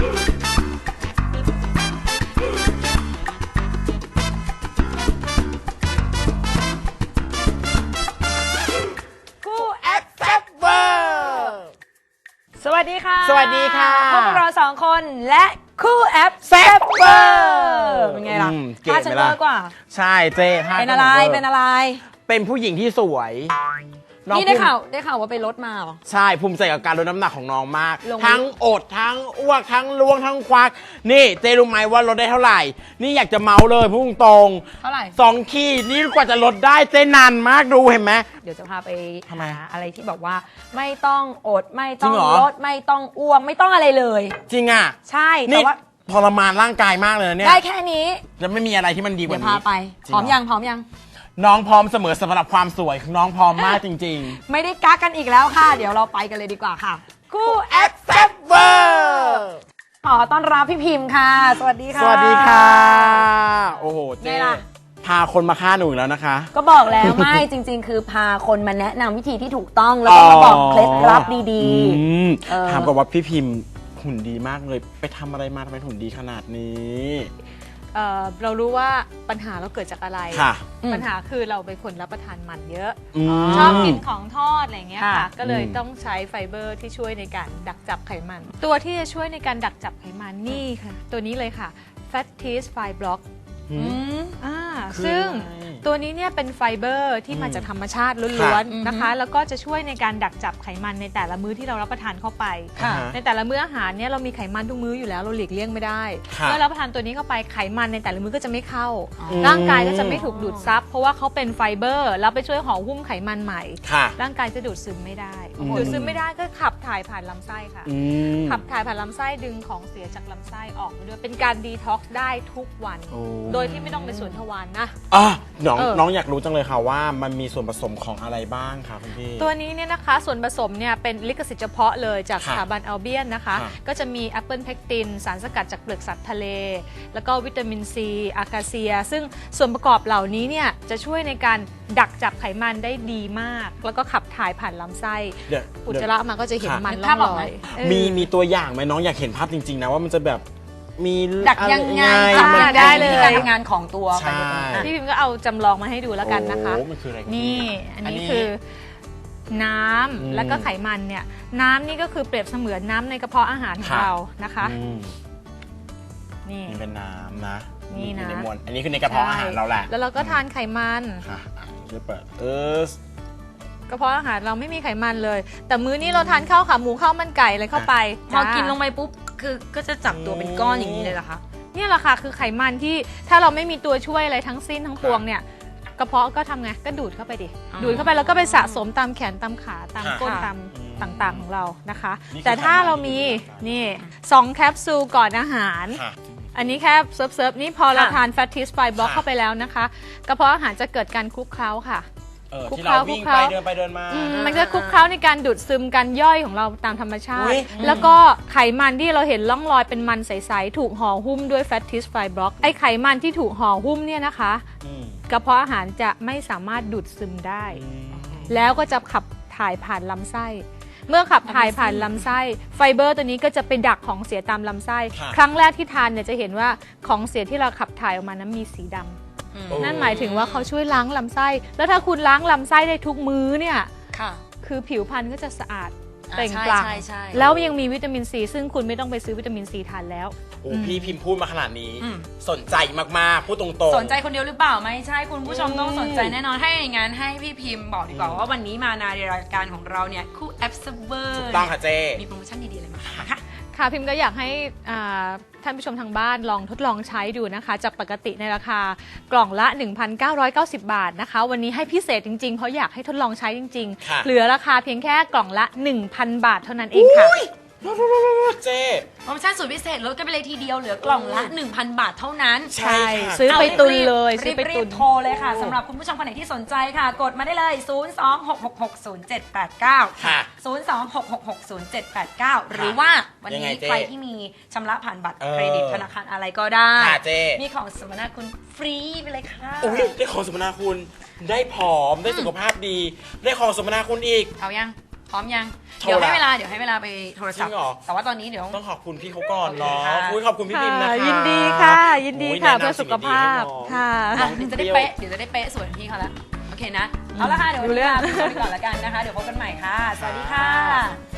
สวัสดีค่ะสวัสดีค่ะพวกเรา2 คนและคู่แอปแซ่บเวอร์เป็นไงล่ะท่าฉันเวอร์กว่าใช่เจ๊เป็นอะไรเป็นผู้หญิงที่สวยนี่ได้ข่าวว่าไปลดมาเหรอใช่ภูมิใจกับการลดน้ำหนักของน้องมากทั้งอดทั้งอ้วกทั้งล้วงทั้งควักนี่เจ๊รู้ไหมว่าลดได้เท่าไหร่นี่อยากจะเมาเลยพุ่งตรงเท่าไหร่ 2 ขีดนี่กว่าจะลดได้เจ๊นานมากดูเห็นไหมเดี๋ยวจะพาไปหาอะไรที่บอกว่าไม่ต้องอดไม่ต้องลดไม่ต้องอ้วกไม่ต้องอะไรเลยจริงอ่ะใช่แต่ว่าทรมานร่างกายมากเลยเนี่ยได้แค่นี้จะไม่มีอะไรที่มันดีกว่านี้เดี๋ยวพาไปพร้อมยังน้องพร้อมเสมอสำหรับความสวยน้องพร้อมมากจริงๆไม่ได้กักกันอีกแล้วค่ะเดี๋ยวเราไปกันเลยดีกว่าค่ะคู่แอปแซ่บเวอร์ขอต้อนรับพี่พิมพ์ค่ะสวัสดีค่ะสวัสดีค่ะโอ้โหเจ๊พาคนมาฆ่าหนูอีกแล้วนะคะก็บอกแล้วไม่จริงๆคือพาคนมาแนะนำวิธีที่ถูกต้องแล้วก็มาบอกเคล็ดลับดีๆถามก่อนว่าพี่พิมพ์หุ่นดีมากเลยไปทำอะไรมาทำไมหุ่นดีขนาดนี้เรารู้ว่าปัญหาเราเกิดจากอะไรค่ะปัญหาคือเราเป็นคนรับประทานมันเยอะชอบกินของทอดอะไรเงี้ยค่ะก็เลยต้องใช้ไฟเบอร์ที่ช่วยในการดักจับไขมันตัวที่จะช่วยในการดักจับไขมันนี่ค่ะตัวนี้เลยค่ะ Fat Tease Fiber Block ซึ่งตัวนี้เนี่ยเป็นไฟเบอร์ที่มาจากธรรมชาติล้วนๆนะคะแล้วก็จะช่วยในการดักจับไขมันในแต่ละมื้อที่เรารับประทานเข้าไปในแต่ละมื้ออาหารเนี่ยเรามีไขมันทุกมื้ออยู่แล้วเราหลีกเลี่ยงไม่ได้เมื่อรับประทานตัวนี้เข้าไปไขมันในแต่ละมื้อก็จะไม่เข้าร่างกายก็จะไม่ถูกดูดซับเพราะว่าเขาเป็นไฟเบอร์แล้วไปช่วยห่อหุ้มไขมันใหม่ร่างกายจะดูดซึมไม่ได้ดูดซึมไม่ได้ก็ขับถ่ายผ่านลำไส้ค่ะขับถ่ายผ่านลำไส้ดึงของเสียจากลำไส้ออกมาด้วยเป็นการดีท็อกซ์ได้ทุกวันโดยที่ไม่ต้องไปสวนทวารนะน้องอยากรู้จังเลยค่ะว่ามันมีส่วนผสมของอะไรบ้างคะคุณพี่ตัวนี้เนี่ยนะคะส่วนผสมเนี่ยเป็นลิขสิทธิ์เฉพาะเลยจากสถาบันอัลเบียนนะคะก็จะมีแอปเปิลเพกตินสารสกัดจากเปลือกสัตว์ทะเลแล้วก็วิตามินซีอาคาเซียซึ่งส่วนประกอบเหล่านี้เนี่ยจะช่วยในการดักจับไขมันได้ดีมากแล้วก็ขับถ่ายผ่านลำไส้อุจจาระมาก็จะเห็นมันล่องลอยมีตัวอย่างไหมน้องอยากเห็นภาพจริงๆนะว่ามันจะแบบมีดักยังไงได้เลยการทำงานของตัวพี่พิมก็เอาจำลองมาให้ดูแล้วกันนะคะนี่อันนี้คือน้ำแล้วก็ไขมันเนี่ยน้ำนี่ก็คือเปรียบเสมือนน้ำในกระเพาะอาหารของเรานะคะนี่เป็นน้ำนะนี่นะอันนี้คือในกระเพาะอาหารเราแหละแล้วเราก็ทานไขมันค่ะจะเปิดกระเพาะอาหารเราไม่มีไขมันเลยแต่มื้อนี้เราทานข้าวขาหมูข้าวมันไก่อะไรเข้าไปพอกินลงไปปุ๊บคือก็จะจับตัวเป็นก้อนอย่างนี้เลยเหรอคะนี่แหละค่ะคือไขมันที่ถ้าเราไม่มีตัวช่วยอะไรทั้งสิ้นทั้งปวงเนี่ยกระเพาะก็ทำไงก็ดูดเข้าไปดิดูดเข้าไปแล้วก็ไปสะสมตามแขนตามขาตามก้นตามต่างๆของเรานะคะแต่ถ้าเรามีนี่2 แคปซูลก่อนอาหารอันนี้แค่เซิร์ฟนี่พอเราทาน Fat Tease Fiber Block เข้าไปแล้วนะคะกระเพาะอาหารจะเกิดการคลุกเคล้าค่ะที่เราวิ่งไปเดินไปเดินมามันจะคลุกเคล้าในการดูดซึมการย่อยของเราตามธรรมชาติแล้วก็ไขมันที่เราเห็นร่องรอยเป็นมันใสๆถูกห่อหุ้มด้วย Fat Tease Fiber Block ไอไขมันที่ถูกห่อหุ้มเนี่ยนะคะกระเพาะอาหารจะไม่สามารถดูดซึมได้แล้วก็จะขับถ่ายผ่านลำไส้เมื่อขับถ่ายผ่านลำไส้ไฟเบอร์ตัวนี้ก็จะไปดักของเสียตามลำไส้ครั้งแรกที่ทานเนี่ยจะเห็นว่าของเสียที่เราขับถ่ายออกมานั้นมีสีดำนั่นหมายถึงว่าเขาช่วยล้างลำไส้แล้วถ้าคุณล้างลำไส้ได้ทุกมื้อเนี่ยคือผิวพรรณก็จะสะอาดเปล่งปลั่งแล้วยังมีวิตามินซีซึ่งคุณไม่ต้องไปซื้อวิตามินซีทานแล้วพี่พิมพ์พูดมาขนาดนี้สนใจมากๆพูดตรงๆสนใจคนเดียวหรือเปล่าไม่ใช่คุณผู้ชมต้องสนใจแน่นอนให้อย่างนั้นให้พี่พิมพ์บอกดีกว่าว่าวันนี้มาในรายการของเราเนี่ยคู่แอปเซเวอร์ถูกต้องค่ะเจมีโปรโมชั่นดีๆอะไรมาค่ะพิมก็อยากให้ท่านผู้ชมทางบ้านลองทดลองใช้ดูนะคะจากปกติในราคากล่องละ 1,990 บาทนะคะวันนี้ให้พิเศษจริงๆเพราะอยากให้ทดลองใช้จริงๆเหลือราคาเพียงแค่กล่องละ 1,000 บาทเท่านั้นเองค่ะเจ๊โปรโมชั่นสุดพิเศษลดกันไปเลยทีเดียวเหลือกล่องละ 1,000 บาทเท่านั้นใช่ซื้อไปตุนเลยรีบโทรเลยค่ะสำหรับคุณผู้ชมคนไหนที่สนใจค่ะกดมาได้เลย 026660789 ค่ะ 026660789 หรือว่าวันนี้ใครที่มีชำระผ่านบัตรเครดิตธนาคารอะไรก็ได้มีของสมนาคุณฟรีไปเลยค่ะได้ของสมนาคุณได้ผอมได้สุขภาพดีได้ของสมนาคุณอีกเอายังพร้อมยังโทรเดี๋ยวให้ละเวลาไปโทรศัพจริท์งเหรอแต่ว่าตอนนี้เดี๋ยวต้องขอบคุณพี่เขาก่อนเนาะโอเคค่ะอุ๊ยขอบคุณพี่พิมพ์นะคะยินดีค่ะยินดีค่ะโอ้ยแนะนำเพื่อสุขภาพสิ่งดีๆให้น้องค่ะอ่ะเดี๋ยวจะได้เป๊ะสวยเหมือนพี่เขาละโอเคนะเอาละค่ะเดี๋ยววันนี้ลาไปก่อนแล้วกันนะคะเดี๋ยวพบกันใหม่ค่ะ สวัสดีค่ะ